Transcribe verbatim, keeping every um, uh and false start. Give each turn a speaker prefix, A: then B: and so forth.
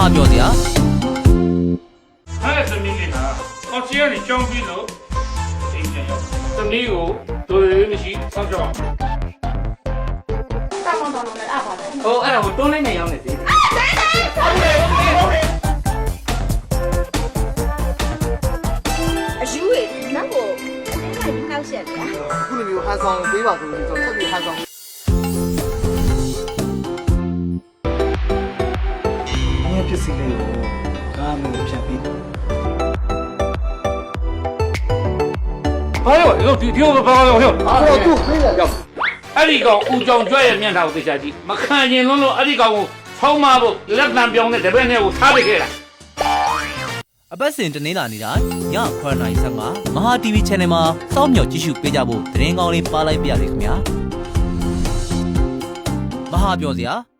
A: ဟာပြောစရာ
B: အဲ့ဒါသမီးလေးကအော်ချီကနေကြောင်းပြီးလို့အိမ်ပြန်ရောက်သမီးကိုဒိုရီမရှိစောင့်ကြောက်
C: တောင်းတောင်းတောင်းနဲ့အားပါတယ်
D: ဟိုအဲ့ဒါကိုတွန်းလိုက်နေရောက်နေသေးတယ်
C: အယူရည်နောက်ကိုအဲ့ဒါကောက်ချက်ဗျာ
E: ခုလိုမျိုးဟန်ဆောင်ပေးပါဆိုလို့ကျွန်တော်ဆက်ပြီးဟန်ဆောင်ငါပစ္စည်းလေးကိုကားမျိုးဖြတ်ပြီး
B: ဘာလို့လဲဒီဒီကိုဘာလို့လဲဟဲ့
E: အော်သူခေးတယ်ရောက်
B: အဲ့ဒီကောင်ဦးကြောင်ကြွရဲ့မျက်နှာကိုသိချကြည့်မခံရင်လုံးလို့အဲ့ဒီကောင်ကိုဖောင်းမဖို့လက်တံပြောင်းတဲ့တပည့်နဲ့ကိုထားပစ်ခဲ့တာ
A: အပတ်စဉ်တနင်္လာနေ့တိုင်းညခွဲနာရီဆယ်မှာမဟာ တီဗီ channel မှာစောင့်မျှော်ကြည့်ရှုပေးကြဖို့သတင်းကောင်းလေးပါလိုက်ပြရစီခင်ဗျာမဟာပြောစရာ